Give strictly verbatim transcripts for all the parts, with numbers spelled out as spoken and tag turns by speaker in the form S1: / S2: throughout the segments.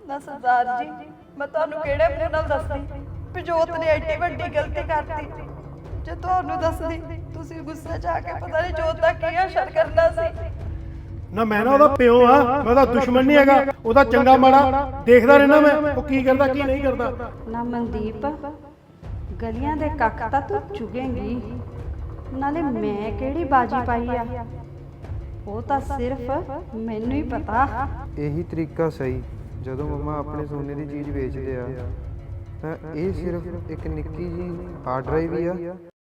S1: ना सरदार जी मैं तुहानू किहड़े मूंह नाल दसदी भी जोत ने एडी वड्डी गलती करती। जे तुहानू दसदी तुसीं गुस्से च आके पता नहीं जोत दा की असर करना सी।
S2: ना मैं ना ओदा प्यो हाँ, मैं ओदा दुश्मन नहीं हैगा। ओदा चंगा माड़ा देखदा रहना मैं, वो की करदा की नहीं करदा।
S3: ना मनदीप गलियां दे कख तां तू चुगेंगी, नाले मैं किहड़ी बाजी पाई आ ਉਹ ਤਾਂ ਸਿਰਫ ਮੈਨੂੰ ਹੀ ਪਤਾ।
S4: ਇਹੀ ਤਰੀਕਾ ਸਹੀ। ਜਦੋਂ ਮੰਮਾ ਆਪਣੇ ਸੋਨੇ ਦੀ ਚੀਜ਼ ਵੇਚਦੇ ਆ ਤਾਂ ਇਹ ਸਿਰਫ ਇੱਕ ਨਿੱਕੀ ਜੀ ਹਾਰਡ ਡਰਾਈਵ ਹੀ ਆ।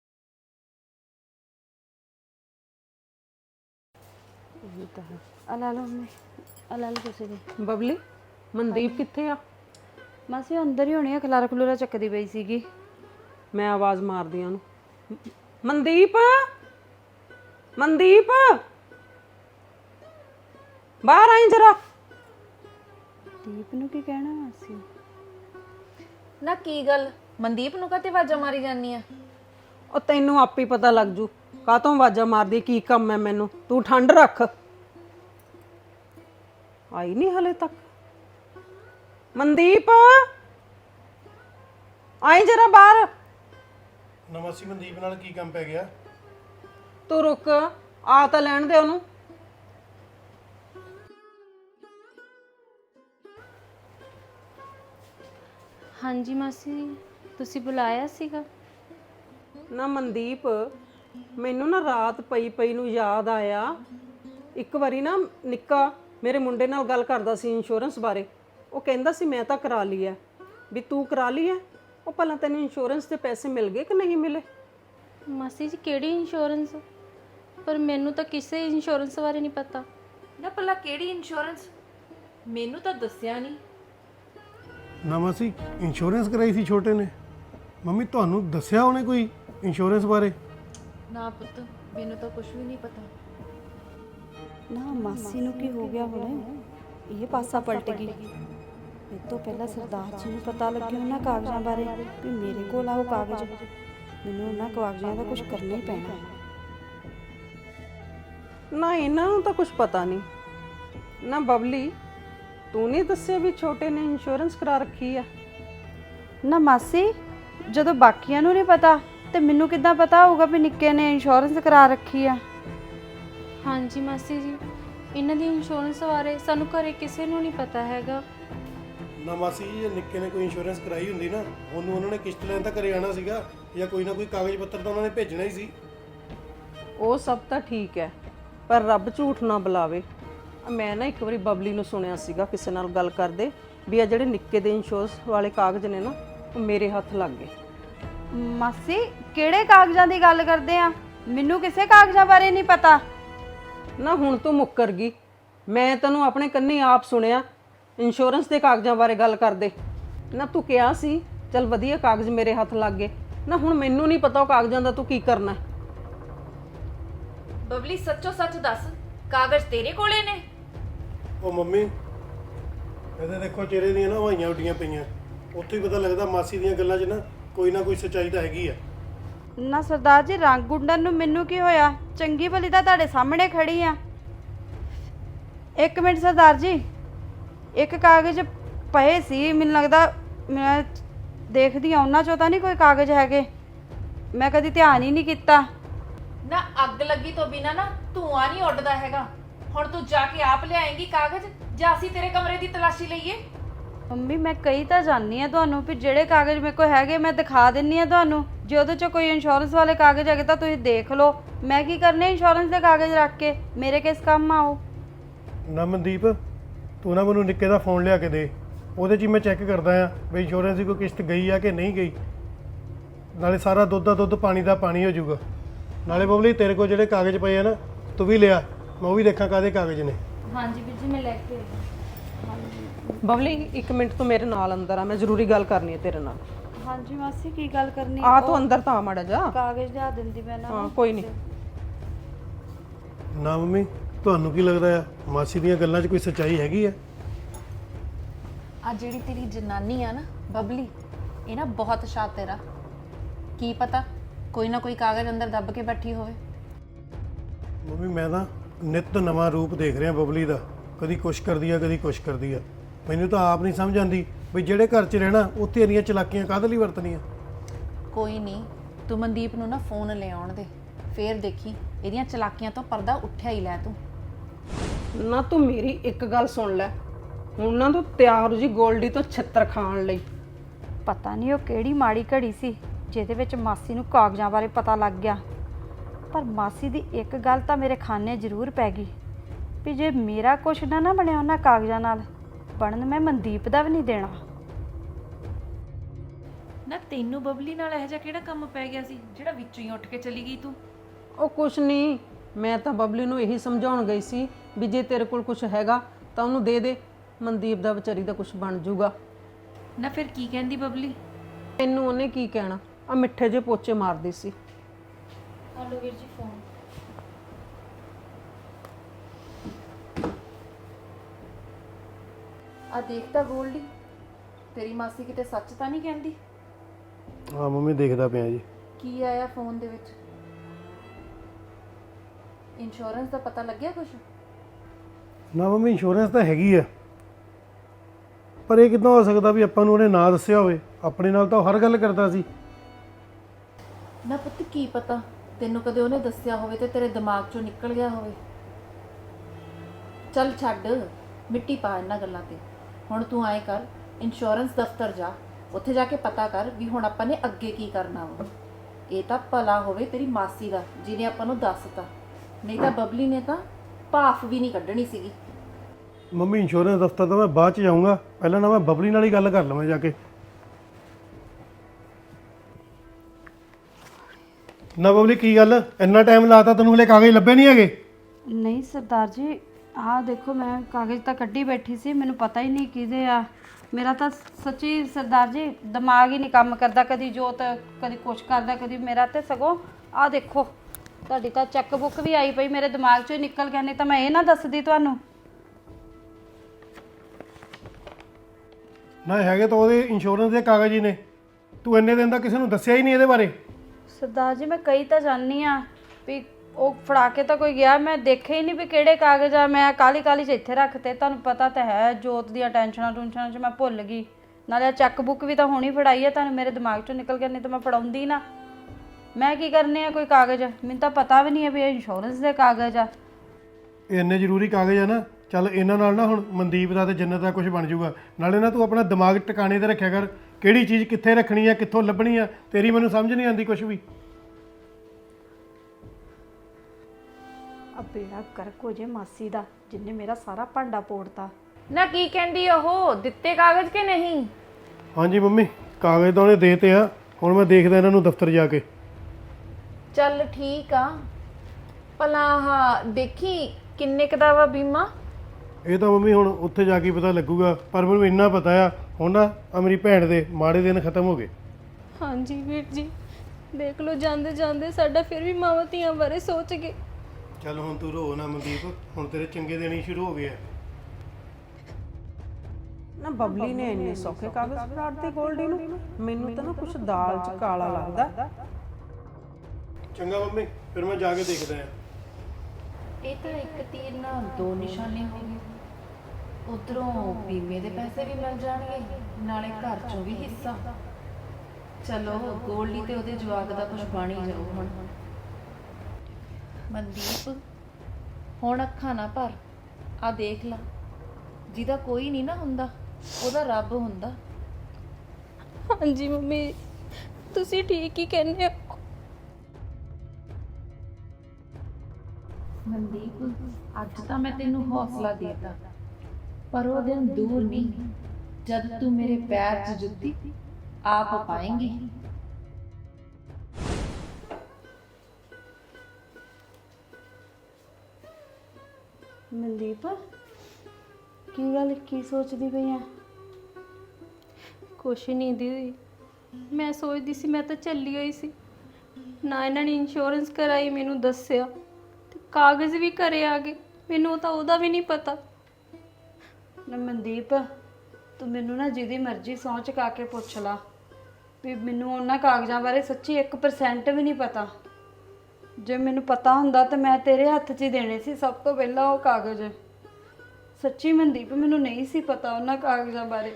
S3: ਅਲਾ ਲੋ ਮੈਂ ਅਲਾ ਲੋ ਤੁਸੀਂ ਵੀ।
S5: ਬਬਲੀ ਮਨਦੀਪ ਕਿੱਥੇ ਆ?
S3: ਮਾਸੀ ਅੰਦਰ ਹੀ ਹੋਣੀ ਆ, ਖਲਾਰਾ ਖਲੂਰਾ ਚੱਕਦੀ ਪਈ ਸੀਗੀ।
S5: ਮੈਂ ਆਵਾਜ਼ ਮਾਰਦੀ ਆ ਉਹਨੂੰ। ਮਨਦੀਪ ਮਨਦੀਪ ਬਾਹਰ ਆਈ ਜਰਾ।
S3: ਦੀਪ ਨੂੰ ਕੀ ਕਹਿਣਾ ਮਾਸੀ?
S6: ਨਾ ਕੀ ਗੱਲ ਮਨਦੀਪ ਨੂੰ ਕਾਤੇ ਆਵਾਜ਼ਾਂ ਮਾਰੀ ਜਾਂਦੀ ਆ?
S5: ਉਹ ਤੈਨੂੰ ਆਪੇ ਪਤਾ ਲੱਗ ਜੂ ਕਾਹਤੋਂ ਆਵਾਜ਼ਾਂ ਮਾਰਦੀ, ਕੀ ਕੰਮ ਹੈ ਮੈਨੂੰ। ਤੂੰ ਠੰਡ ਰੱਖ। ਆਈ ਨਹੀਂ ਹਲੇ ਤੱਕ। ਮਨਦੀਪ ਆਈ ਜਰਾ ਬਾਹਰ।
S2: ਨਵਾਸੀ ਮਨਦੀਪ ਨਾਲ ਕੀ ਕੰਮ ਪੈ ਗਿਆ?
S5: ਤੂੰ ਰੁਕ, ਆ ਤਾਂ ਲੈਣ ਦੇ ਉਹਨੂੰ।
S7: हाँ जी मासी तुसी बुलाया सीगा?
S5: ਨਾ ਮਨਦੀਪ ਮੈਨੂੰ ਨਾ ਰਾਤ ਪਈ ਪਈ ਨੂੰ ਯਾਦ ਆਇਆ, ਇੱਕ ਵਾਰੀ ਨਾ ਨਿੱਕਾ ਮੇਰੇ ਮੁੰਡੇ ਨਾਲ ਗੱਲ ਕਰਦਾ ਸੀ ਇੰਸ਼ੋਰੈਂਸ ਬਾਰੇ। ਉਹ ਕਹਿੰਦਾ ਸੀ ਮੈਂ ਤਾਂ ਕਰਾ ਲਈ ਹੈ, ਵੀ ਤੂੰ ਕਰਾ ਲਈ ਹੈ। ਉਹ ਪਹਿਲਾਂ ਤੈਨੂੰ ਇੰਸ਼ੋਰੈਂਸ ਦੇ ਪੈਸੇ ਮਿਲ ਗਏ ਕਿ ਨਹੀਂ ਮਿਲੇ?
S7: मासी जी केड़ी इंश्योरेंस? पर मैनू तो किसी इंश्योरेंस बारे नहीं पता।
S6: ਨਾ ਭਲਾ ਕਿਹੜੀ ਇੰਸ਼ੋਰੈਂਸ? ਮੈਨੂੰ ਤਾਂ ਦੱਸਿਆ ਨਹੀਂ।
S2: ਨਵਾਸੀ ਇੰਸ਼ੋਰੈਂਸ ਕਰਾਈ ਸੀ ਛੋਟੇ ਨੇ। ਮੰਮੀ ਤੁਹਾਨੂੰ ਦੱਸਿਆ ਉਹਨੇ ਕੋਈ ਇੰਸ਼ੋਰੈਂਸ ਬਾਰੇ?
S6: ਨਾ ਪੁੱਤ ਮੈਨੂੰ ਤਾਂ ਕੁਝ ਵੀ ਨਹੀਂ ਪਤਾ।
S3: ਨਾ ਮਾਸੀ ਨੂੰ ਕੀ ਹੋ ਗਿਆ ਹੁਣ? ਇਹ ਪਾਸਾ ਪਲਟ ਗਈ। ਇਹ ਤੋਂ ਪਹਿਲਾਂ ਸਰਦਾਰ ਜੀ ਨੂੰ ਪਤਾ ਲੱਗਿਆ ਉਹਨਾਂ ਕਾਗਜ਼ਾਂ ਬਾਰੇ ਵੀ ਮੇਰੇ ਕੋਲ ਆ ਉਹ ਕਾਗਜ਼। ਮੈਨੂੰ ਉਹਨਾਂ ਕਾਗਜ਼ਾਂ ਦਾ ਕੁਝ ਕਰਨਾ ਹੀ ਪੈਣਾ।
S5: ਨਾ ਇਹਨਾਂ ਨੂੰ ਤਾਂ ਕੁਝ ਪਤਾ ਨਹੀਂ। ਨਾ ਬਬਲੀ ਤੂੰ ਨਹੀਂ ਦੱਸਿਆ ਵੀ ਛੋਟੇ ਨੇ ਇੰਸ਼ੋਰੈਂਸ ਕਰਾ ਰੱਖੀ ਆ?
S3: ਨਾ ਮਾਸੀ ਜਦੋਂ ਬਾਕੀਆਂ ਨੂੰ ਨਹੀਂ ਪਤਾ ਤੇ ਮੈਨੂੰ ਕਿੱਦਾਂ ਪਤਾ ਹੋਊਗਾ ਵੀ ਨਿੱਕੇ ਨੇ ਇੰਸ਼ੋਰੈਂਸ ਕਰਾ ਰੱਖੀ ਆ?
S7: हाँ जी मासी जी इन्हां दी इंश्योरेंस बारे सानू घरे किसी नूं नहीं पता हैगा।
S2: ਨਵਾਸੀ ਜੀ ਜੇ ਨਿੱਕੇ ਨੇ ਕੋਈ ਇੰਸ਼ੋਰੈਂਸ ਕਰਾਈ ਹੁੰਦੀ ਨਾ, ਉਹਨੂੰ ਉਹਨਾਂ ਨੇ ਕਿਸ਼ਤ ਲੈਣ ਤਾਂ ਘਰੇ ਆਣਾ ਸੀਗਾ, ਜਾਂ ਕੋਈ ਨਾ ਕੋਈ ਕਾਗਜ਼ ਪੱਤਰ ਤਾਂ ਉਹਨਾਂ ਨੇ ਭੇਜਣਾ ਹੀ ਸੀ।
S5: ਉਹ ਸਭ ਤਾਂ ਠੀਕ ਹੈ, ਪਰ ਰੱਬ ਝੂਠ ਨਾ ਬੁਲਾਵੇ। ਮੈਂ ਨਾ ਇੱਕ ਵਾਰੀ ਬਬਲੀ ਨੂੰ ਸੁਣਿਆ ਸੀਗਾ ਕਿਸੇ ਨਾਲ ਗੱਲ ਕਰਦੇ ਵੀ ਆ ਜਿਹੜੇ ਨਿੱਕੇ ਦੇ ਇੰਸ਼ੋਰੈਂਸ ਵਾਲੇ ਕਾਗਜ਼ ਨੇ ਨਾ ਉਹ ਮੇਰੇ ਹੱਥ ਲੱਗ ਗਏ।
S3: ਮਾਸੀ ਕਿਹੜੇ ਕਾਗਜ਼ਾਂ ਦੀ ਗੱਲ ਕਰਦੇ ਆ? ਮੈਨੂੰ ਕਿਸੇ ਕਾਗਜ਼ਾਂ ਬਾਰੇ ਨਹੀਂ ਪਤਾ।
S5: ਨਾ ਹੁਣ ਤੂੰ ਮੁੱਕਰ ਗਈ। ਮੈਂ ਤੈਨੂੰ ਆਪਣੇ ਕੰਨੀ ਆਪ ਸੁਣਿਆ ਇੰਸ਼ੋਰੈਂਸ ਦੇ ਕਾਗਜ਼ਾਂ ਬਾਰੇ ਗੱਲ ਕਰਦੇ। ਨਾ ਤੂੰ ਕਿਹਾ ਸੀ ਚਲ ਵਧੀਆ ਕਾਗਜ਼ ਮੇਰੇ ਹੱਥ ਲੱਗ ਗਏ। ਨਾ ਹੁਣ ਮੈਨੂੰ ਨਹੀਂ ਪਤਾ ਉਹ ਕਾਗਜ਼ਾਂ ਦਾ ਤੂੰ ਕੀ ਕਰਨਾ ਹੈ।
S6: ਬਬਲੀ ਸੱਚੋ ਸੱਚ ਦੱਸ, ਕਾਗਜ਼ ਤੇਰੇ ਕੋਲੇ ਨੇ?
S2: ਉਹ ਮੰਮੀ ਇਹਦੇ ਦੇਖੋ ਚਿਹਰੇ ਦੀਆਂ ਨਾ ਹਵਾਈਆਂ ਉੱਡੀਆਂ ਪਈਆਂ। ਉੱਥੇ ਹੀ ਪਤਾ ਲੱਗਦਾ ਮਾਸੀ ਦੀਆਂ ਗੱਲਾਂ 'ਚ ਨਾ ਕੋਈ ਨਾ ਕੋਈ ਸੱਚਾਈ ਤਾਂ ਹੈਗੀ ਆ।
S3: ਨਾ ਸਰਦਾਰ ਜੀ ਰੰਗ ਗੁੰਡਨ ਨੂੰ ਮੈਨੂੰ ਕੀ ਹੋਇਆ? ਚੰਗੀ ਭਲੀ ਤਾਂ ਤੁਹਾਡੇ ਸਾਹਮਣੇ ਖੜੀ ਆ। ਇੱਕ ਮਿੰਟ ਸਰਦਾਰ ਜੀ, ਇੱਕ ਕਾਗਜ਼ ਪਏ ਸੀ ਮੈਨੂੰ ਲੱਗਦਾ, ਮੈਂ ਦੇਖਦੀ ਆ ਉਹਨਾਂ ਚੋਂ ਤਾਂ ਨਹੀਂ ਕੋਈ ਕਾਗਜ਼ ਹੈਗੇ। ਮੈਂ ਕਦੀ ਧਿਆਨ ਹੀ ਨਹੀਂ ਕੀਤਾ।
S6: ਨਾ ਅੱਗ ਲੱਗੀ ਤੋਂ ਬਿਨਾ ਨਾ ਧੂਆਂ ਨਹੀਂ ਉੱਡਦਾ ਹੈਗਾ। ਹੁਣ ਤੂੰ ਜਾ ਕੇ ਆਪ ਲਿਆਏਂਗੀ ਕਾਗਜ਼ ਜਾਂ ਅਸੀਂ ਤੇਰੇ ਕਮਰੇ ਦੀ ਤਲਾਸ਼ੀ ਲਈਏ?
S3: ਮੰਮੀ ਮੈਂ ਕਹੀ ਤਾਂ ਜਾਣੀ ਆ ਤੁਹਾਨੂੰ ਵੀ ਜਿਹੜੇ ਕਾਗਜ਼ ਮੇਰੇ ਕੋਲ ਹੈਗੇ ਮੈਂ ਦਿਖਾ ਦਿੰਨੀ ਆ ਤੁਹਾਨੂੰ। ਜੇ ਉਹਦੇ 'ਚ ਕੋਈ ਇੰਸ਼ੋਰੈਂਸ ਵਾਲੇ ਕਾਗਜ਼ ਹੈਗੇ ਤਾਂ ਤੁਸੀਂ ਦੇਖ ਲਓ। ਮੈਂ ਕੀ ਕਰਨੇ ਇੰਸ਼ੋਰੈਂਸ ਦੇ ਕਾਗਜ਼ ਰੱਖ ਕੇ? ਮੇਰੇ ਕਿਸ ਕੰਮ ਆ ਉਹ?
S2: ਨਾ ਮਨਦੀਪ ਤੂੰ ਨਾ ਮੈਨੂੰ ਨਿੱਕੇ ਦਾ ਫੋਨ ਲਿਆ ਕੇ ਦੇ, ਉਹਦੇ 'ਚ ਹੀ ਮੈਂ ਚੈੱਕ ਕਰਦਾ ਆ ਵੀ ਇੰਸ਼ੋਰੈਂਸ ਦੀ ਕੋਈ ਕਿਸ਼ਤ ਗਈ ਆ ਕਿ ਨਹੀਂ ਗਈ। ਨਾਲੇ ਸਾਰਾ ਦੁੱਧ ਦਾ ਦੁੱਧ ਪਾਣੀ ਦਾ ਪਾਣੀ ਹੋ ਜਾਊਗਾ। ਨਾਲੇ ਬਬਲੀ ਤੇਰੇ ਕੋਲ ਜਿਹੜੇ ਕਾਗਜ਼ ਪਏ ਆ ਨਾ ਤੂੰ ਵੀ ਲਿਆ, ਮੈਂ ਉਹ ਵੀ ਦੇਖਾਂ ਕਾਹਦੇ ਕਾਗਜ਼ ਨੇ।
S7: हाँ जी बीर जी मैं लेके आई।
S5: ਬਬਲੀ ਇੱਕ ਮਿੰਟ ਤੂੰ ਮੇਰੇ ਨਾਲ ਅੰਦਰ ਆ, ਮੈਂ ਜ਼ਰੂਰੀ ਗੱਲ ਕਰਨੀ ਹੈ ਤੇਰੇ ਨਾਲ।
S3: ਹਾਂਜੀ ਮਾਸੀ ਕੀ ਗੱਲ ਕਰਨੀ?
S5: ਆ ਤੂੰ ਅੰਦਰ ਤਾਂ ਆ ਮਾੜਾ ਜਾ।
S3: ਕਾਗਜ਼ ਲਿਆ ਦਿੰਦੀ ਮੈਂ ਨਾ।
S5: ਹਾਂ ਕੋਈ ਨਹੀਂ।
S2: ਨਾ ਮੰਮੀ ਤੁਹਾਨੂੰ ਕੀ ਲੱਗਦਾ ਆ ਮਾਸੀ ਦੀਆਂ ਗੱਲਾਂ 'ਚ ਕੋਈ ਸੱਚਾਈ ਹੈਗੀ ਆ?
S6: ਆ ਜਿਹੜੀ ਤੇਰੀ ਜਨਾਨੀ ਆ ਨਾ ਬਬਲੀ, ਇਹ ਨਾ ਬਹੁਤ ਸ਼ਾਤਿਰ ਆ। ਕੀ ਪਤਾ ਕੋਈ ਨਾ ਕੋਈ ਕਾਗਜ਼ ਅੰਦਰ ਦੱਬ ਕੇ ਬੈਠੀ ਹੋਵੇ।
S2: ਮੰਮੀ ਮੈਂ ਤਾਂ ਨਿੱਤ ਨਵਾਂ ਰੂਪ ਦੇਖ ਰਿਹਾ ਬਬਲੀ ਦਾ। ਕਦੀ ਕੁਛ ਕਰਦੀ ਆ ਕਦੀ ਕੁਛ ਕਰਦੀ ਆ। ਮੈਨੂੰ ਤਾਂ ਆਪ ਨਹੀਂ ਸਮਝ ਆਉਂਦੀ ਵੀ ਜਿਹੜੇ ਘਰ 'ਚ ਰਹਿਣਾ ਉੱਥੇ ਇੰਨੀਆਂ ਚਲਾਕੀਆਂ ਕਾਹਦੇ ਲਈ ਵਰਤਣੀਆਂ।
S6: ਕੋਈ ਨਹੀਂ, ਤੂੰ ਮਨਦੀਪ ਨੂੰ ਨਾ ਫੋਨ ਲੈ ਆਉਣ ਦੇ, ਫੇਰ ਦੇਖੀ ਇਹਦੀਆਂ ਚਲਾਕੀਆਂ ਤੋਂ ਪਰਦਾ ਉੱਠਿਆ ਹੀ ਲੈ ਤੂੰ।
S5: ਨਾ ਤੂੰ ਮੇਰੀ ਇੱਕ ਗੱਲ ਸੁਣ ਲੈ, ਹੁਣ ਨਾ ਤੂੰ ਤਿਆਰ ਹੋ ਜੀ ਗੋਲਡੀ ਤੋਂ ਛਿੱਤਰ ਖਾਣ ਲਈ।
S3: ਪਤਾ ਨਹੀਂ ਉਹ ਕਿਹੜੀ ਮਾੜੀ ਘੜੀ ਸੀ ਜਿਹਦੇ ਵਿੱਚ ਮਾਸੀ ਨੂੰ ਕਾਗਜ਼ਾਂ ਬਾਰੇ ਪਤਾ ਲੱਗ ਗਿਆ। ਪਰ ਮਾਸੀ ਦੀ ਇੱਕ ਗੱਲ ਤਾਂ ਮੇਰੇ ਖਾਨੇ ਜ਼ਰੂਰ ਪੈ ਗਈ ਵੀ ਜੇ ਮੇਰਾ ਕੁਛ ਨਾ ਨਾ ਬਣਿਆ ਉਹਨਾਂ ਕਾਗਜ਼ਾਂ ਨਾਲ, ਬਣਨ ਮੈਂ ਮਨਦੀਪ ਦਾ ਵੀ ਨਹੀਂ ਦੇਣਾ।
S8: ਨਾ ਤੈਨੂੰ ਬਬਲੀ ਨਾਲ ਇਹੋ ਜਿਹਾ ਕਿਹੜਾ ਕੰਮ ਪੈ ਗਿਆ ਸੀ ਜਿਹੜਾ ਵਿੱਚੋਂ ਹੀ ਉੱਠ ਕੇ ਚਲੀ ਗਈ ਤੂੰ?
S5: ਉਹ ਕੁਛ ਨਹੀਂ, ਮੈਂ ਤਾਂ ਬਬਲੀ ਨੂੰ ਇਹੀ ਸਮਝਾਉਣ ਗਈ ਸੀ ਵੀ ਜੇ ਤੇਰੇ ਕੋਲ ਕੁਛ ਹੈਗਾ ਤਾਂ ਉਹਨੂੰ ਦੇ ਦੇ, ਮਨਦੀਪ ਦਾ ਵਿਚਾਰੀ ਦਾ ਕੁਛ ਬਣ ਜਾਊਗਾ।
S8: ਨਾ ਫਿਰ ਕੀ ਕਹਿੰਦੀ ਬਬਲੀ?
S5: ਮੈਨੂੰ ਉਹਨੇ ਕੀ ਕਹਿਣਾ, ਆ ਮਿੱਠੇ ਜਿਹੇ ਪੋਚੇ ਮਾਰਦੀ ਸੀ।
S8: ਹਲੋ ਵੀਰ ਜੀ ਫੋਨ।
S6: ਆ ਦੇਖਤਾ ਗੋਲਡੀ, ਤੇਰੀ ਮਾਸੀ ਕਿਤੇ ਸੱਚ ਤਾਂ ਨਹੀਂ ਕਹਿੰਦੀ?
S2: ਹਾਂ ਮੰਮੀ ਦੇਖਦਾ ਪਿਆ ਜੀ।
S6: ਕੀ ਆਇਆ ਫੋਨ ਦੇ ਵਿੱਚ? ਇੰਸ਼ੋਰੈਂਸ ਦਾ ਪਤਾ ਲੱਗਿਆ ਕੁਛ?
S2: ਨਾ ਮੰਮੀ ਇੰਸ਼ੋਰੈਂਸ ਤਾਂ ਹੈਗੀ ਆ, ਪਰ ਇਹ ਕਿੱਦਾਂ ਹੋ ਸਕਦਾ ਵੀ ਆਪਾਂ ਨੂੰ ਉਹਨੇ ਨਾ ਦੱਸਿਆ ਹੋਵੇ? ਆਪਣੇ ਨਾਲ ਤਾਂ ਉਹ ਹਰ ਗੱਲ ਕਰਦਾ ਸੀ।
S6: ਨਾ ਪੁੱਤ ਕੀ ਪਤਾ ਤੈਨੂੰ ਕਦੇ ਉਹਨੇ ਦੱਸਿਆ ਹੋਵੇ ਤੇ ਤੇਰੇ ਦਿਮਾਗ ਚੋਂ ਨਿਕਲ ਗਿਆ ਹੋਵੇ। ਚੱਲ ਛੱਡ, ਮਿੱਟੀ ਪਾ ਇਹਨਾਂ ਗੱਲਾਂ ਤੇ। ਹੁਣ ਤੂੰ ਆਏ ਕਰ, ਇੰਸ਼ੋਰੈਂਸ ਦਫ਼ਤਰ ਜਾ, ਉੱਥੇ ਜਾ ਕੇ ਪਤਾ ਕਰ ਵੀ ਹੁਣ ਆਪਾਂ ਨੇ ਅੱਗੇ ਕੀ ਕਰਨਾ ਵਾ। ਇਹ ਤਾਂ ਭਲਾ ਹੋਵੇ ਤੇਰੀ ਮਾਸੀ ਦਾ ਜਿਹਨੇ ਆਪਾਂ ਨੂੰ ਦੱਸਤਾ, ਨਹੀਂ ਤਾਂ ਬਬਲੀ ਨੇ ਤਾਂ ਭਾਫ ਵੀ ਨਹੀਂ ਕੱਢਣੀ ਸੀਗੀ।
S2: ਮੰਮੀ ਇੰਸ਼ੋਰੈਂਸ ਦਫ਼ਤਰ ਤਾਂ ਮੈਂ ਬਾਅਦ 'ਚ ਜਾਊਂਗਾ, ਪਹਿਲਾਂ ਨਾ ਮੈਂ ਬਬਲੀ ਨਾਲ ਹੀ ਗੱਲ ਕਰ ਲਵਾਂ ਜਾ ਕੇ। ਨਾ ਬਬਲੀ ਕੀ ਗੱਲ, ਇੰਨਾ ਟਾਈਮ ਲਾਤਾ ਤੈਨੂੰ, ਹਲੇ ਕਾਗਜ਼ ਲੱਭੇ ਨਹੀਂ ਹੈਗੇ?
S3: ਨਹੀਂ ਸਰਦਾਰ ਜੀ, ਆਹ ਦੇਖੋ ਮੈਂ ਕਾਗਜ਼ ਤਾਂ ਕੱਢੀ ਬੈਠੀ ਸੀ, ਮੈਨੂੰ ਪਤਾ ਹੀ ਨਹੀਂ ਕਿਹਦੇ ਆ। ਮੇਰਾ ਤਾਂ ਸੱਚੀ ਸਰਦਾਰ ਜੀ ਦਿਮਾਗ ਹੀ ਨਹੀਂ ਕੰਮ ਕਰਦਾ, ਕਦੀ ਜੋਤ ਕਦੀ ਕੁਛ ਕਰਦਾ, ਕਦੀ ਮੇਰਾ ਤੇ ਸਗੋਂ ਆਹ ਦੇਖੋ ਤੁਹਾਡੀ ਤਾਂ ਚੈੱਕ ਬੁੱਕ ਵੀ ਆਈ ਪਈ, ਮੇਰੇ ਦਿਮਾਗ 'ਚੋਂ ਹੀ ਨਿਕਲ ਗਿਆ, ਨਹੀਂ ਤਾਂ ਮੈਂ ਇਹ ਨਾ ਦੱਸਦੀ ਤੁਹਾਨੂੰ।
S2: ਨਾ ਹੈਗੇ ਤਾਂ ਉਹਦੇ ਇੰਸ਼ੋਰੈਂਸ ਦੇ ਕਾਗਜ਼ ਹੀ ਨੇ, ਤੂੰ ਇੰਨੇ ਦਿਨ ਦਾ ਕਿਸੇ ਨੂੰ ਦੱਸਿਆ ਹੀ ਨਹੀਂ ਇਹਦੇ ਬਾਰੇ।
S3: ਸਰਦਾਰ ਜੀ ਮੈਂ ਕਹੀ ਤਾਂ ਜਾਣੀ ਆ ਵੀ ਉਹ ਫੜਾ ਕੇ ਤਾਂ ਕੋਈ ਗਿਆ, ਮੈਂ ਦੇਖੇ ਹੀ ਨਹੀਂ ਵੀ ਕਿਹੜੇ ਕਾਗਜ਼ ਆ, ਮੈਂ ਕਾਲੀ ਕਾਲੀ 'ਚ ਇੱਥੇ ਰੱਖਤੇ। ਤੁਹਾਨੂੰ ਪਤਾ ਤਾਂ ਹੈ ਜੋਤ ਦੀਆਂ ਟੈਨਸ਼ਨਾਂ ਟੂਨਸ਼ਨਾਂ 'ਚ ਮੈਂ ਭੁੱਲ ਗਈ, ਨਾਲੇ ਚੈੱਕ ਬੁੱਕ ਵੀ ਤਾਂ ਹੁਣੀ ਫੜਾਈ ਆ, ਤੁਹਾਨੂੰ ਮੇਰੇ ਦਿਮਾਗ 'ਚੋਂ ਨਿਕਲ ਗਿਆ, ਨਹੀਂ ਤਾਂ ਮੈਂ ਫੜਾਉਂਦੀ ਨਾ। ਮੈਂ ਕੀ ਕਰਨੇ ਆ ਕੋਈ ਕਾਗਜ਼, ਮੈਨੂੰ ਤਾਂ ਪਤਾ ਵੀ ਨਹੀਂ ਹੈ ਵੀ ਇਹ ਇੰਸ਼ੋਰੈਂਸ ਦੇ ਕਾਗਜ਼ ਆ।
S2: ਇਹ ਇੰਨੇ ਜ਼ਰੂਰੀ ਕਾਗਜ਼ ਆ ਨਾ, ਚੱਲ ਇਹਨਾਂ ਨਾਲ ਨਾ ਹੁਣ ਮਨਦੀਪ ਦਾ ਤੇ ਜੰਨਤ ਦਾ ਕੁਝ ਬਣ ਜਾਊਗਾ। ਨਾਲੇ ਨਾ ਤੂੰ ਆਪਣਾ ਦਿਮਾਗ ਟਿਕਾਣੇ ਤੇ ਰੱਖਿਆ ਕਰ, ਕਿਹੜੀ ਚੀਜ਼ ਕਿੱਥੇ ਰੱਖਣੀ ਆ, ਕਿੱਥੋਂ ਲੱਭਣੀ ਆ, ਤੇਰੀ ਮੈਨੂੰ ਸਮਝ ਨਹੀਂ ਆਉਂਦੀ ਕੁਝ ਵੀ।
S3: ਆ ਬੇੜਾ ਗਰਕ ਹੋ ਜੇ ਮਾਸੀ ਦਾ, ਜਿੰਨੇ ਮੇਰਾ ਸਾਰਾ ਭਾਂਡਾ ਪੋੜਤਾ।
S6: ਨਾ ਕੀ ਕਹਿੰਦੀ ਉਹ, ਦਿੱਤੇ ਕਾਗਜ਼ ਕਿ ਨਹੀਂ?
S2: ਹਾਂਜੀ ਮੰਮੀ, ਕਾਗਜ਼ ਤਾਂ ਉਹਨੇ ਦੇਤੇ ਆ, ਹੁਣ ਮੈਂ ਦੇਖਦਾ ਇਹਨਾਂ ਨੂੰ ਦਫ਼ਤਰ ਜਾ ਕੇ।
S6: ਚੱਲ ਠੀਕ ਆ, ਭਲਾ ਆਹ ਦੇਖੀ ਕਿੰਨੇ ਕੁ ਦਾ ਵਾ ਬੀਮਾ?
S2: ਇਹ ਤਾਂ ਮੰਮੀ ਹੁਣ ਉੱਥੇ ਜਾ ਕੇ ਪਤਾ ਲੱਗੂਗਾ, ਪਰ ਮੈਨੂੰ ਇੰਨਾ ਪਤਾ ਆ ਹੁਣ ਨਾ ਆਹ ਮੇਰੀ ਭੈਣ ਦੇ ਮਾੜੇ ਦਿਨ ਖਤਮ ਹੋ ਗਏ।
S7: ਹਾਂਜੀ ਵੀਰ ਜੀ, ਦੇਖ ਲਓ ਜਾਂਦੇ ਜਾਂਦੇ ਸਾਡਾ ਫਿਰ ਵੀ ਮਾਵਾਂ ਧੀਆਂ ਬਾਰੇ ਸੋਚ ਗਏ।
S2: ਚੱਲ ਹੁਣ ਤੂੰ ਰੋ ਨਾ ਮਨਦੀਪ, ਹੁਣ ਤੇਰੇ ਚੰਗੇ ਦਿਨ ਹੀ ਸ਼ੁਰੂ ਹੋ ਗਏ ਆ।
S5: ਨਾ ਬਬਲੀ ਨੇ ਇੰਨੇ ਸੌਖੇ ਕਾਗਜ਼ ਫੜਾਤੇ ਗੋਲਡੀ ਨੂੰ, ਮੈਨੂੰ ਤਾਂ ਨਾ ਕੁਛ ਦਾਲ 'ਚ ਕਾਲਾ ਲੱਗਦਾ।
S2: ਚੰਗਾ ਮੰਮੀ, ਫਿਰ ਮੈਂ ਜਾ ਕੇ ਦੇਖਦਾ ਆ।
S6: ਇਹ ਤਾਂ ਇੱਕ ਤੀਰ ਨਾਲ ਦੋ ਨਿਸ਼ਾਨੇ ਹੋ ਗਏ, ਉਧਰੋਂ ਬੀਮੇ ਦੇ ਪੈਸੇ ਵੀ ਮਿਲ ਜਾਣਗੇ, ਨਾਲੇ ਘਰ ਚੋਂ ਵੀ ਹਿੱਸਾ। ਚਲੋ ਗੋਲਡੀ ਤੇ ਉਹਦੇ ਜਵਾਕ ਦਾ ਕੁਝ ਬਣ ਹੀ ਜਾਊ। ਹੁਣ ਮਨਦੀਪ, ਹੁਣ ਅੱਖਾਂ ਨਾ ਭਰ, ਆ ਦੇਖ ਲਾ, ਜਿਹਦਾ ਕੋਈ ਨਹੀਂ ਨਾ ਹੁੰਦਾ ਉਹਦਾ ਰੱਬ ਹੁੰਦਾ।
S7: ਹਾਂਜੀ ਮੰਮੀ, ਤੁਸੀਂ ਠੀਕ ਹੀ ਕਹਿੰਦੇ ਹੋ।
S6: ਮਨਦੀਪ, ਅੱਜ ਤਾਂ ਮੈਂ ਤੈਨੂੰ ਹੌਸਲਾ ਦੇਤਾ, ਪਰ ਉਹ ਦਿਨ ਦੂਰ ਨਹੀਂ ਜਦ ਤੂੰ ਮੇਰੇ ਪੈਰ 'ਚ ਜੁੱਤੀ ਆਪ ਪਾਏਂਗੀ।
S3: ਮਨਦੀਪ ਕੀ ਗੱਲ, ਕੀ ਸੋਚਦੀ ਪਈ ਆ?
S7: ਕੁਛ ਨਹੀਂ ਦੀਦੀ, ਮੈਂ ਸੋਚਦੀ ਸੀ ਮੈਂ ਤਾਂ ਚੱਲੀ ਹੋਈ ਸੀ, ਨਾ ਇਹਨਾਂ ਨੇ ਇੰਸ਼ੋਰੈਂਸ ਕਰਾਈ ਮੈਨੂੰ ਦੱਸਿਆ, ਤੇ ਕਾਗਜ਼ ਵੀ ਘਰੇ ਆ ਗਏ, ਮੈਨੂੰ ਤਾਂ ਉਹਦਾ ਵੀ ਨਹੀਂ ਪਤਾ।
S3: ਨਾ ਮਨਦੀਪ, ਤੂੰ ਮੈਨੂੰ ਨਾ ਜਿਹਦੀ ਮਰਜ਼ੀ ਸਹੁੰ ਚੁਕਾ ਕੇ ਪੁੱਛ ਲਾ ਵੀ ਮੈਨੂੰ ਉਹਨਾਂ ਕਾਗਜ਼ਾਂ ਬਾਰੇ ਸੱਚੀ ਇੱਕ ਪਰਸੈਂਟ ਵੀ ਨਹੀਂ ਪਤਾ। ਜੇ ਮੈਨੂੰ ਪਤਾ ਹੁੰਦਾ ਤਾਂ ਮੈਂ ਤੇਰੇ ਹੱਥ 'ਚ ਹੀ ਦੇਣੇ ਸੀ ਸਭ ਤੋਂ ਪਹਿਲਾਂ ਉਹ ਕਾਗਜ਼। ਸੱਚੀ ਮਨਦੀਪ ਮੈਨੂੰ ਨਹੀਂ ਸੀ ਪਤਾ ਉਹਨਾਂ ਕਾਗਜ਼ਾਂ ਬਾਰੇ।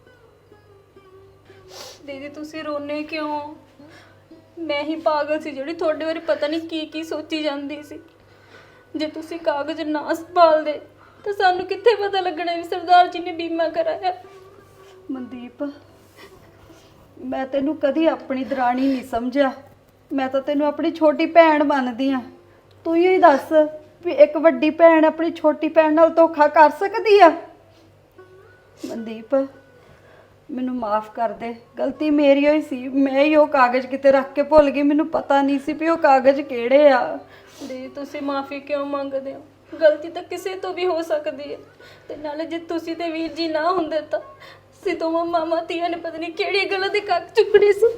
S7: ਦੀਦੀ ਤੁਸੀਂ ਰੋਨੇ ਕਿਉਂ? ਮੈਂ ਹੀ ਪਾਗਲ ਸੀ ਜਿਹੜੀ ਤੁਹਾਡੇ ਬਾਰੇ ਪਤਾ ਨਹੀਂ ਕੀ ਕੀ ਸੋਚੀ ਜਾਂਦੀ ਸੀ। ਜੇ ਤੁਸੀਂ ਕਾਗਜ਼ ਨਾ ਸੰਭਾਲਦੇ ਤਾਂ ਸਾਨੂੰ ਕਿੱਥੇ ਪਤਾ ਲੱਗਣਾ ਵੀ ਸਰਦਾਰ ਜੀ ਨੇ ਬੀਮਾ ਕਰਾਇਆ।
S3: ਮਨਦੀਪ ਮੈਂ ਤੈਨੂੰ ਕਦੀ ਆਪਣੀ ਦਰਾਣੀ ਨਹੀਂ ਸਮਝਿਆ, ਮੈਂ ਤਾਂ ਤੈਨੂੰ ਆਪਣੀ ਛੋਟੀ ਭੈਣ ਮੰਨਦੀ ਆ। ਤੂੰ ਹੀ ਦੱਸ ਵੀ ਇੱਕ ਵੱਡੀ ਭੈਣ ਆਪਣੀ ਛੋਟੀ ਭੈਣ ਨਾਲ ਧੋਖਾ ਕਰ ਸਕਦੀ ਆ? ਮਨਦੀਪ ਮੈਨੂੰ ਮਾਫ ਕਰ ਦੇ, ਗਲਤੀ ਮੇਰੀ ਹੋਈ ਸੀ। ਮੈਂ ਹੀ ਉਹ ਕਾਗਜ਼ ਕਿਤੇ ਰੱਖ ਕੇ ਭੁੱਲ ਗਈ, ਮੈਨੂੰ ਪਤਾ ਨਹੀਂ ਸੀ ਵੀ ਉਹ ਕਾਗਜ਼ ਕਿਹੜੇ ਆ।
S7: ਦੀਦੀ ਤੁਸੀਂ ਮਾਫੀ ਕਿਉਂ ਮੰਗਦੇ ਹੋ? ਗਲਤੀ ਤਾਂ ਕਿਸੇ ਤੋਂ ਵੀ ਹੋ ਸਕਦੀ ਹੈ, ਤੇ ਨਾਲੇ ਜੇ ਤੁਸੀਂ ਤੇ ਵੀਰ ਜੀ ਨਾ ਹੁੰਦੇ ਤਾਂ ਅਸੀਂ ਦੋਵਾਂ ਮਾਮਾ ਧੀਆਂ ਨੇ ਪਤਾ ਨਹੀਂ ਕਿਹੜੀ ਗਲਤ ਦੀ ਕੱਕ ਚੁੱਕਣੀ ਸੀ।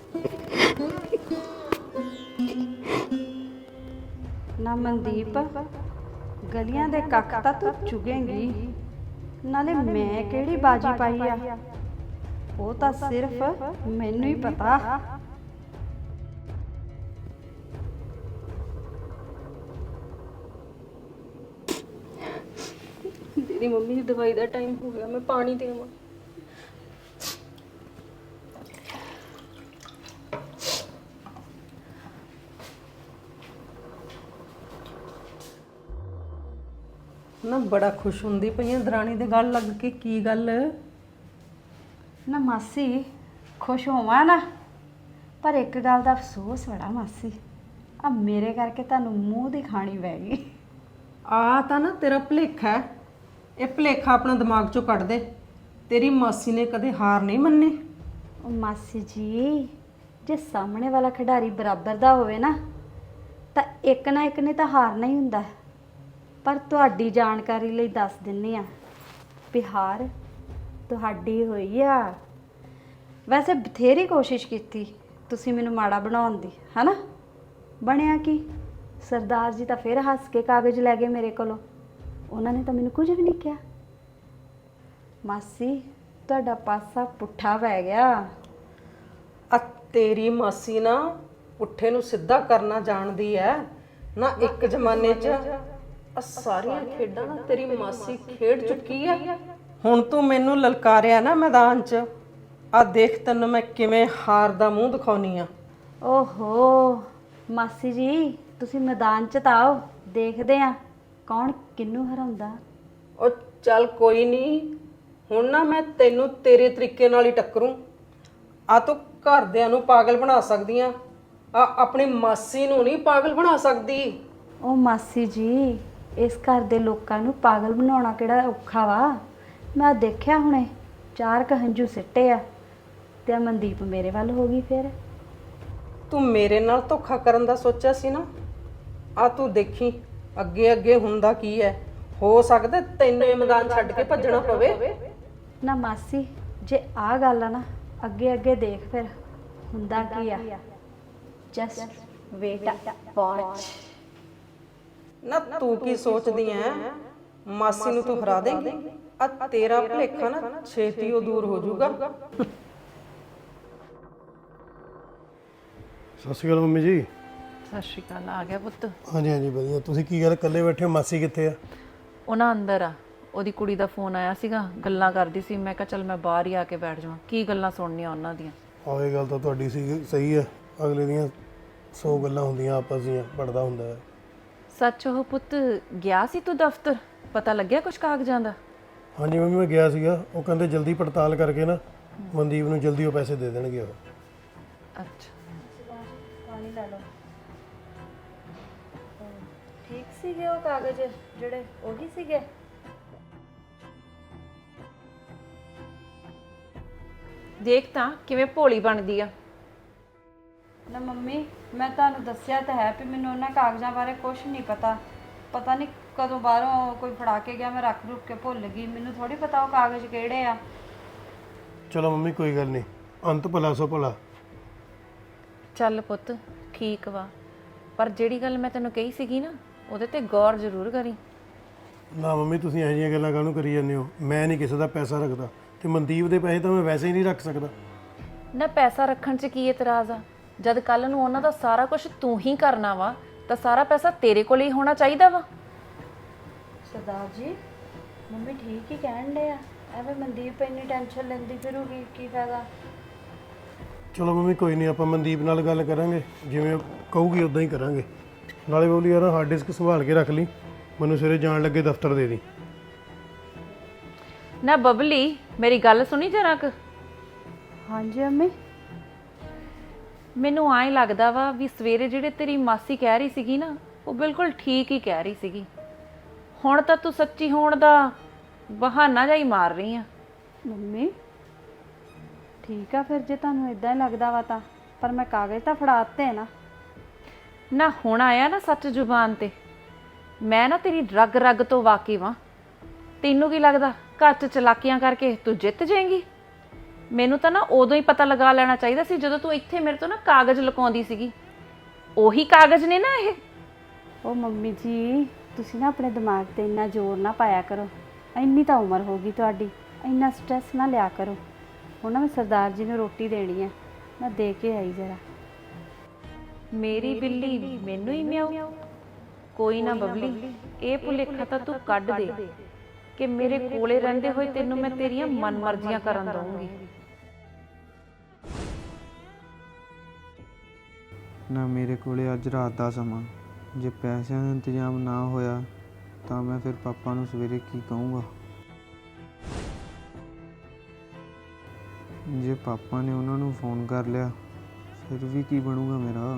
S3: ਨਾ ਮਨਦੀਪ, ਗਲੀਆਂ ਦੇ ਕੱਖ ਤਾਂ ਤੂੰ ਚੁਗੇਂਗੀ, ਨਾਲੇ ਮੈਂ ਕਿਹੜੀ ਬਾਜੀ ਪਾਈ ਆ ਉਹ ਤਾਂ ਸਿਰਫ ਮੈਨੂੰ ਹੀ ਪਤਾ।
S7: ਦੀਦੀ ਮੰਮੀ ਦੀ ਦਵਾਈ ਦਾ ਟਾਈਮ ਹੋ ਗਿਆ, ਮੈਂ ਪਾਣੀ ਦੇਵਾਂ?
S5: ਨਾ ਬੜਾ ਖੁਸ਼ ਹੁੰਦੀ ਪਈਆਂ ਦਰਾਣੀ ਦੇ ਗੱਲ ਲੱਗ ਕੇ। ਕੀ ਗੱਲ?
S3: ਨਾ ਮਾਸੀ ਖੁਸ਼ ਹੋਵਾਂ ਨਾ, ਪਰ ਇੱਕ ਗੱਲ ਦਾ ਅਫਸੋਸ ਬੜਾ ਮਾਸੀ, ਆ ਮੇਰੇ ਕਰਕੇ ਤੁਹਾਨੂੰ ਮੂੰਹ ਦੀ ਖਾਣੀ ਪੈ ਗਈ।
S5: ਆ ਤਾਂ ਨਾ ਤੇਰਾ ਭੁਲੇਖਾ ਹੈ। ਇਹ ਭੁਲੇਖਾ ਆਪਣਾ ਦਿਮਾਗ ਚੋਂ ਕੱਢ ਦੇ। ਤੇਰੀ ਮਾਸੀ ਨੇ ਕਦੇ ਹਾਰ ਨਹੀਂ ਮੰਨੀ।
S3: ਉਹ ਮਾਸੀ ਜੀ, ਜੇ ਸਾਹਮਣੇ ਵਾਲਾ ਖਿਡਾਰੀ ਬਰਾਬਰ ਦਾ ਹੋਵੇ ਨਾ ਤਾਂ ਇੱਕ ਨਾ ਇੱਕ ਨੇ ਤਾਂ ਹਾਰਨਾ ਹੀ ਹੁੰਦਾ। ਪਰ ਤੁਹਾਡੀ ਜਾਣਕਾਰੀ ਲਈ ਦੱਸ ਦਿੰਨੀ ਆ ਵੀ ਹਾਰ ਤੁਹਾਡੀ ਹੋਈ ਆ। ਵੈਸੇ ਬਥੇਰੀ ਕੋਸ਼ਿਸ਼ ਕੀਤੀ ਤੁਸੀਂ ਮੈਨੂੰ ਮਾੜਾ ਬਣਾਉਣ ਦੀ, ਹਨਾ? ਬਣਿਆ ਕੀ? ਸਰਦਾਰ ਜੀ ਤਾਂ ਫਿਰ ਹੱਸ ਕੇ ਕਾਗਜ਼ ਲੈ ਗਏ ਮੇਰੇ ਕੋਲੋਂ। ਉਹਨਾਂ ਨੇ ਤਾਂ ਮੈਨੂੰ ਕੁਝ ਵੀ ਨਹੀਂ ਕਿਹਾ। ਮਾਸੀ ਤੁਹਾਡਾ ਪਾਸਾ ਪੁੱਠਾ ਪੈ ਗਿਆ।
S5: ਆ ਤੇਰੀ ਮਾਸੀ ਨਾ ਪੁੱਠੇ ਨੂੰ ਸਿੱਧਾ ਕਰਨਾ ਜਾਣਦੀ ਐ ਨਾ। ਇੱਕ ਜ਼ਮਾਨੇ 'ਚ ਆ ਸਾਰੀਆਂ ਖੇਡਾਂ ਨਾ ਤੇਰੀ ਮਾਸੀ ਖੇਡ ਚੁੱਕੀ ਐ। ਹੁਣ ਤੂੰ ਮੈਨੂੰ ਲਲਕਾਰਿਆ ਨਾ ਮੈਦਾਨ 'ਚ, ਆ ਦੇਖ ਤੈਨੂੰ ਮੈਂ ਕਿਵੇਂ ਹਾਰ ਦਾ ਮੂੰਹ ਦਿਖਾਉਣੀ ਆ।
S3: ਓਹੋ ਮਾਸੀ ਜੀ, ਤੁਸੀਂ ਮੈਦਾਨ 'ਚ ਤਾਂ ਆਓ, ਦੇਖਦੇ ਆ ਕੌਣ ਕਿਹਨੂੰ ਹਰਾਉਂਦਾ।
S5: ਉਹ ਚੱਲ ਕੋਈ ਨਹੀਂ, ਹੁਣ ਨਾ ਮੈਂ ਤੈਨੂੰ ਤੇਰੇ ਤਰੀਕੇ ਨਾਲ ਹੀ ਟੱਕਰੂ। ਆ ਤੂੰ ਘਰਦਿਆਂ ਨੂੰ ਪਾਗਲ ਬਣਾ ਸਕਦੀ ਆ, ਆ ਆਪਣੀ ਮਾਸੀ ਨੂੰ ਨਹੀਂ ਪਾਗਲ ਬਣਾ ਸਕਦੀ।
S3: ਉਹ ਮਾਸੀ ਜੀ, ਇਸ ਘਰ ਦੇ ਲੋਕਾਂ ਨੂੰ ਪਾਗਲ ਬਣਾਉਣਾ ਕਿਹੜਾ ਔਖਾ ਵਾ। ਮੈਂ ਦੇਖਿਆ ਹੁਣੇ ਚਾਰ ਕੁ ਹੰਝੂ ਸਿੱਟੇ ਆ ਤੇ ਆ ਮਨਦੀਪ ਮੇਰੇ ਵੱਲ ਹੋ ਗਈ। ਫਿਰ
S5: ਤੂੰ ਮੇਰੇ ਨਾਲ ਧੋਖਾ ਕਰਨ ਦਾ ਸੋਚਿਆ ਸੀ ਨਾ, ਆ ਤੂੰ ਦੇਖੀ ਅੱਗੇ ਅੱਗੇ ਹੁੰਦਾ ਕੀ ਹੈ। ਹੋ ਸਕਦਾ ਤੈਨੂੰ ਇਹ ਮੈਦਾਨ ਛੱਡ ਕੇ ਭੱਜਣਾ ਪਵੇ।
S3: ਨਾ ਮਾਸੀ, ਜੇ ਆ ਗੱਲ ਆ ਨਾ, ਅੱਗੇ ਅੱਗੇ ਦੇਖ ਫਿਰ ਹੁੰਦਾ ਕੀ ਆ। Just wait watch.
S5: ਨਾ ਤੂੰ ਕੀ ਸੋਚਦੀ ਐ? ਮਾਸੀ ਨੂੰ ਤੂੰ ਹਰਾ ਦੇਂਗੀ। ਆ ਤੇਰਾ ਭੁਲੇਖਾ ਨਾ ਛੇਤੀ ਉਹ ਦੂਰ ਹੋ ਜਾਊਗਾ।
S2: ਸਤਿ ਸ਼੍ਰੀ ਅਕਾਲ ਮੰਮੀ ਜੀ।
S8: ਸਤਿ ਸ਼੍ਰੀ ਅਕਾਲ। ਆ ਗਿਆ ਪੁੱਤ?
S2: ਹਾਂਜੀ ਹਾਂਜੀ ਵਧੀਆ। ਤੁਸੀਂ ਕੀ ਗੱਲ ਇਕੱਲੇ ਬੈਠੇ ਹੋ? ਮਾਸੀ ਕਿੱਥੇ ਆ?
S8: ਉਹਨਾਂ ਅੰਦਰ ਆ। ਉਹਦੀ ਕੁੜੀ ਦਾ ਫੋਨ ਆਇਆ ਸੀਗਾ, ਗੱਲਾਂ ਕਰਦੀ ਸੀ। ਮੈਂ ਕਿਹਾ ਚੱਲ ਮੈਂ ਬਾਹਰ ਹੀ ਆ ਕੇ ਬੈਠ ਜਾਵਾਂ, ਕੀ ਗੱਲਾਂ ਸੁਣਨੀਆਂ ਉਹਨਾਂ ਦੀਆਂ।
S2: ਆਹ ਇਹ ਗੱਲ ਤਾਂ ਤੁਹਾਡੀ ਸੀ, ਸਹੀ ਹੈ। ਅਗਲੇ ਦੀਆਂ ਸੌ ਗੱਲਾਂ ਹੁੰਦੀਆਂ ਆਪਸ ਦੀਆਂ, ਪੜਦਾ ਹੁੰਦਾ ਹੈ।
S8: ਸੱਚ ਉਹ ਪੁੱਤ ਗਿਆ ਸੀ ਤੂੰ ਦਫ਼ਤਰ? ਪਤਾ ਲੱਗਿਆ ਕੁਝ ਕਾਗਜ਼ਾਂ ਦਾ?
S2: ਹਾਂਜੀ ਮੰਮੀ ਮੈਂ ਗਿਆ ਸੀਗਾ, ਉਹ ਕਹਿੰਦੇ ਜਲਦੀ ਪੜਤਾਲ ਕਰਕੇ ਨਾ ਮਨਦੀਪ ਨੂੰ ਜਲਦੀ ਉਹ ਪੈਸੇ ਦੇ ਦੇਣਗੇ ਉਹ।
S8: ਅੱਛਾ
S3: ਪਾਣੀ ਲੈ ਲਓ। ਠੀਕ ਸੀਗੇ ਉਹ ਕਾਗਜ਼ ਜਿਹੜੇ ਉਹੀ ਸੀਗੇ?
S8: ਦੇਖ ਤਾਂ ਕਿਵੇਂ ਭੋਲੀ ਬਣਦੀ ਆ।
S3: ਨਾ ਮੰਮੀ, ਮੈਂ ਤੁਹਾਨੂੰ ਦੱਸਿਆ ਤਾਂ ਹੈ ਵੀ ਮੈਨੂੰ ਉਹਨਾਂ ਕਾਗਜ਼ਾਂ ਬਾਰੇ ਕੁਝ ਨਹੀਂ ਪਤਾ। ਪਤਾ ਨਹੀਂ ਕਦੋਂ ਬਾਹਰੋਂ ਕੋਈ ਫੜਾ ਕੇ ਗਿਆ, ਮੈਂ ਰੱਖ ਰੁੱਖ ਕੇ ਭੁੱਲ ਗਈ। ਮੈਨੂੰ ਥੋੜੀ ਪਤਾ ਉਹ ਕਾਗਜ਼ ਕਿਹੜੇ ਆ।
S2: ਚਲੋ ਮੰਮੀ ਕੋਈ ਗੱਲ ਨਹੀਂ, ਅੰਤ ਭਲਾ ਸੋ ਭਲਾ।
S8: ਚੱਲ ਪੁੱਤ ਠੀਕ ਵਾ, ਪਰ ਜਿਹੜੀ ਗੱਲ ਮੈਂ ਤੈਨੂੰ ਕਹੀ ਸੀਗੀ ਨਾ, ਉਹਦੇ ਤੇ ਗੌਰ ਜ਼ਰੂਰ ਕਰੀ।
S2: ਨਾ ਮੰਮੀ ਤੁਸੀਂ ਇਹੋ ਜਿਹੀਆਂ ਗੱਲਾਂ ਕਾਹਨੂੰ ਕਰੀ ਜਾਂਦੇ ਹੋ? ਮੈਂ ਨਹੀਂ ਕਿਸੇ ਦਾ ਪੈਸਾ ਰੱਖਦਾ, ਤੇ ਮਨਦੀਪ ਦੇ ਪੈਸੇ ਤਾਂ ਮੈਂ ਵੈਸੇ ਹੀ ਨਹੀਂ ਰੱਖ ਸਕਦਾ।
S8: ਨਾ ਪੈਸਾ ਰੱਖਣ 'ਚ ਕੀ ਇਤਰਾਜ਼ ਆ? ਜਦ ਕੱਲ ਨੂੰ ਉਹਨਾਂ ਦਾ ਸਾਰਾ ਕੁਝ ਤੂੰ ਹੀ ਕਰਨਾ ਵਾ ਤਾਂ ਸਾਰਾ ਪੈਸਾ ਤੇਰੇ ਕੋਲ ਹੀ ਹੋਣਾ ਚਾਹੀਦਾ ਵਾ।
S3: ਸਰਦਾਰ ਜੀ, ਮੰਮੀ ਠੀਕ ਹੀ ਕਹਿਣ ਡੇ ਆ ਐਵੇਂ ਮਨਦੀਪ ਇੰਨੀ ਟੈਨਸ਼ਨ ਲੈਂਦੀ ਫਿਰੂਗੀ ਕੀ ਫਾਇਦਾ।
S2: ਚਲੋ ਮੰਮੀ ਕੋਈ ਨਹੀਂ, ਆਪਾਂ ਮਨਦੀਪ ਨਾਲ ਗੱਲ ਕਰਾਂਗੇ, ਜਿਵੇਂ ਉਹ ਕਹੂਗੀ ਉਦਾਂ ਹੀ ਕਰਾਂਗੇ। ਨਾਲੇ ਬੋਲੀ ਯਾਰ ਹਾਰਡ ਡਿਸਕ ਸੰਭਾਲ ਕੇ ਰੱਖ ਲਈ, ਮੈਨੂੰ ਸਵੇਰੇ ਜਾਣ ਲੱਗੇ ਦਫ਼ਤਰ ਦੇ ਦੀ।
S8: ਨਾ ਬਬਲੀ, ਮੇਰੀ ਗੱਲ ਸੁਣੀ ਜਰਾ ਕੁ।
S3: ਹਾਂਜੀ ਮੰਮੀ।
S8: ਮੈਨੂੰ ਆਏ ਲੱਗਦਾ ਵਾ ਵੀ ਸਵੇਰੇ ਜਿਹੜੇ ਤੇਰੀ ਮਾਸੀ ਕਹਿ ਰਹੀ ਸੀਗੀ ਨਾ, ਉਹ ਬਿਲਕੁਲ ਠੀਕ ਹੀ ਕਹਿ ਰਹੀ ਸੀਗੀ। ਹੁਣ ਤਾਂ ਤੂੰ ਸੱਚੀ ਹੋਣ ਦਾ ਬਹਾਨਾ ਜਿਹਾ ਹੀ ਮਾਰ ਰਹੀ ਆ।
S3: ਮੰਮੀ ਠੀਕ ਆ ਫਿਰ, ਜੇ ਤੁਹਾਨੂੰ ਇਦਾਂ ਹੀ ਲੱਗਦਾ ਵਾ ਤਾਂ, ਪਰ ਮੈਂ ਕਾਗਜ਼ ਤਾਂ ਫੜਾ ਦਿੱਤੇ ਨਾ।
S8: ਨਾ ਹੁਣ ਆਇਆ ਨਾ ਸੱਚ ਜ਼ੁਬਾਨ ਤੇ, ਮੈਂ ਨਾ ਤੇਰੀ ਰਗ ਰਗ ਤੋਂ ਵਾਕਿਫ ਵਾਂ। ਤੈਨੂੰ ਕੀ ਲੱਗਦਾ ਘਰ 'ਚ ਚਲਾਕੀਆਂ ਕਰਕੇ ਤੂੰ ਜਿੱਤ ਜਾਏਂਗੀ? ਮੈਨੂੰ ਤਾਂ ਨਾ ਉਦੋਂ ਹੀ ਪਤਾ ਲਗਾ ਲੈਣਾ ਚਾਹੀਦਾ ਸੀ ਜਦੋਂ ਤੂੰ ਇੱਥੇ ਮੇਰੇ ਤੋਂ ਨਾ ਕਾਗਜ਼ ਲੁਕਾਉਂਦੀ ਸੀਗੀ। ਉਹੀ ਕਾਗਜ਼ ਨੇ ਨਾ ਇਹ।
S3: ਉਹ ਮੰਮੀ ਜੀ ਤੁਸੀਂ ਨਾ ਆਪਣੇ ਦਿਮਾਗ ਤੇ ਇੰਨਾ ਜ਼ੋਰ ਨਾ ਪਾਇਆ ਕਰੋ, ਇੰਨੀ ਤਾਂ ਉਮਰ ਹੋ ਗਈ ਤੁਹਾਡੀ, ਇੰਨਾ ਸਟ੍ਰੈਸ ਨਾ ਲਿਆ ਕਰੋ। ਹੁਣ ਨਾ ਮੈਂ ਸਰਦਾਰ ਜੀ ਨੂੰ ਰੋਟੀ ਦੇਣੀ ਹੈ, ਮੈਂ ਦੇ ਕੇ ਆਈ ਜਰਾ।
S8: ਮੇਰੀ ਬਿੱਲੀ ਮੈਨੂੰ ਹੀ ਮਿਆਉ। ਕੋਈ ਨਾ ਬਬਲੀ, ਇਹ ਭੁਲੇਖਾ ਤਾਂ ਤੂੰ ਕੱਢ ਦੇ ਕਿ ਮੇਰੇ ਕੋਲੇ ਰਹਿੰਦੇ ਹੋਏ ਤੈਨੂੰ ਮੈਂ ਤੇਰੀਆਂ ਮਨਮਰਜ਼ੀਆਂ ਕਰਨ ਦਊਂਗੀ।
S4: ਨਾ ਮੇਰੇ ਕੋਲੇ ਅੱਜ ਰਾਤ ਦਾ ਸਮਾਂ, ਜੇ ਪੈਸਿਆਂ ਦਾ ਇੰਤਜ਼ਾਮ ਨਾ ਹੋਇਆ ਤਾਂ ਮੈਂ ਫਿਰ ਪਾਪਾ ਨੂੰ ਸਵੇਰੇ ਕੀ ਕਹੂੰਗਾ। ਜੇ ਪਾਪਾ ਨੇ ਉਹਨਾਂ ਨੂੰ ਫੋਨ ਕਰ ਲਿਆ ਫਿਰ ਵੀ ਕੀ ਬਣੂਗਾ ਮੇਰਾ।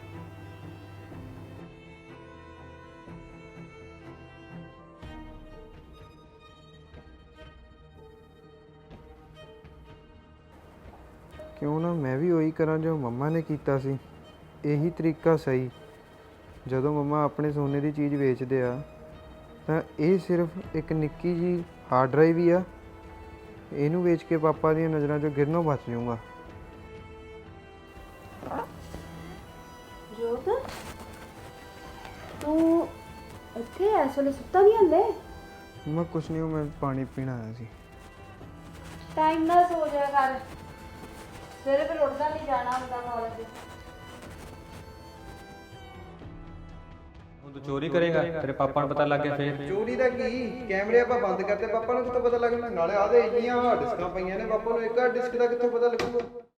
S4: ਕਿਉਂ ਨਾ ਮੈਂ ਵੀ ਉਹੀ ਕਰਾਂ ਜੋ ਮੰਮਾ ਨੇ ਕੀਤਾ ਸੀ। ਇਹੀ ਤਰੀਕਾ ਸਹੀ। ਜਦੋਂ ਮੰਮਾ ਆਪਣੇ ਸੋਨੇ ਦੀ ਚੀਜ਼ ਵੇਚਦੇ ਆ ਤਾਂ ਇਹ ਸਿਰਫ ਇੱਕ ਨਿੱਕੀ ਜੀ ਹਾਰਡ ਡਰਾਈਵ ਹੀ ਆ, ਇਹਨੂੰ ਵੇਚ ਕੇ ਪਾਪਾ ਦੀਆਂ ਨਜ਼ਰਾਂ 'ਚੋਂ ਗਿਰਨੋਂ ਬਚ ਜਾਊਂਗਾ।
S3: ਜੋਤ ਤੂੰ ਇੱਥੇ ਇਸ ਵੇਲੇ ਸੁੱਤਾ ਨਹੀਂ ਹਲੇ?
S4: ਮੈਂ ਕੁਛ ਨਹੀਂ, ਮੈਂ ਪਾਣੀ ਪੀਣ ਆਇਆ ਸੀ।
S3: ਟਾਈਮ ਨਾਲ ਸੋ ਜਾ ਕਰ, ਸਵੇਰੇ ਫਿਰ ਉੱਠਦਾ ਨਹੀਂ ਜਾਣਾ ਹੁੰਦਾ ਕਾਲਜ।
S9: ਹੁਣ ਤੂੰ ਚੋਰੀ ਕਰੇਗਾ, ਤੇਰੇ ਪਾਪਾ ਨੂੰ ਪਤਾ ਲੱਗ ਗਿਆ ਫੇਰ?
S4: ਚੋਰੀ ਦਾ ਕੀ, ਕੈਮਰੇ ਆਪਾਂ ਬੰਦ ਕਰਤੇ, ਪਾਪਾ ਨੂੰ ਕਿੱਥੋਂ ਪਤਾ ਲੱਗਣਾ? ਨਾਲੇ ਆਦੇ ਇੰਨੀਆਂ ਹਾਰਡ ਡਿਸਕਾਂ ਪਈਆਂ ਨੇ, ਪਾਪਾ ਨੂੰ ਇੱਕ ਹਾਰਡ ਡਿਸਕ ਦਾ ਕਿੱਥੋਂ ਪਤਾ ਲੱਗੂਗਾ?